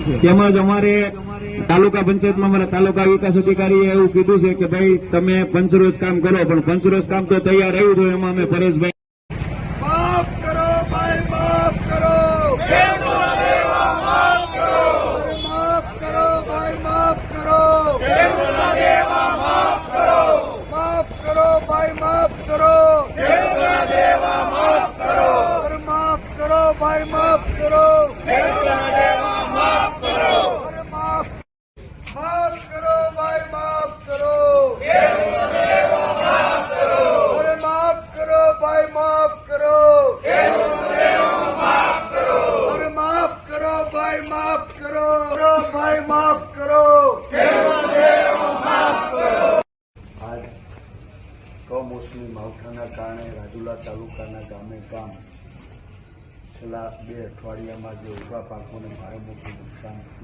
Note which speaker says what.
Speaker 1: તેમજ અમારે તાલુકા પંચાયતમાં અમારા તાલુકા વિકાસ અધિકારીએ એવું કીધું છે કે ભાઈ તમે પંચરોજ કામ કરો, પણ પંચરોજ કામ તો તૈયાર આવ્યું હતું, એમાં અમે પરેશભાઈ
Speaker 2: માફ કરો ભાઈ, માફ કરો, માફ કરો ભાઈ, માફ કરો, માફ કરો ભાઈ, માફ કરો, માફ કરો ભાઈ, માફ કરો, માફ કરો ભાઈ, માફ કરો, માફ કરો ભાઈ, માફ કરો, માફ કરો ભાઈ, માફ કરો, ભાઈ માફ કરો.
Speaker 3: આજ કમોસમી માવઠાના કારણે રાજુલા તાલુકાના ગામે ગામ છેલ્લા 2 અઠવાડિયામાં જે ઊભા પાકોને ભારે મોટું નુકસાન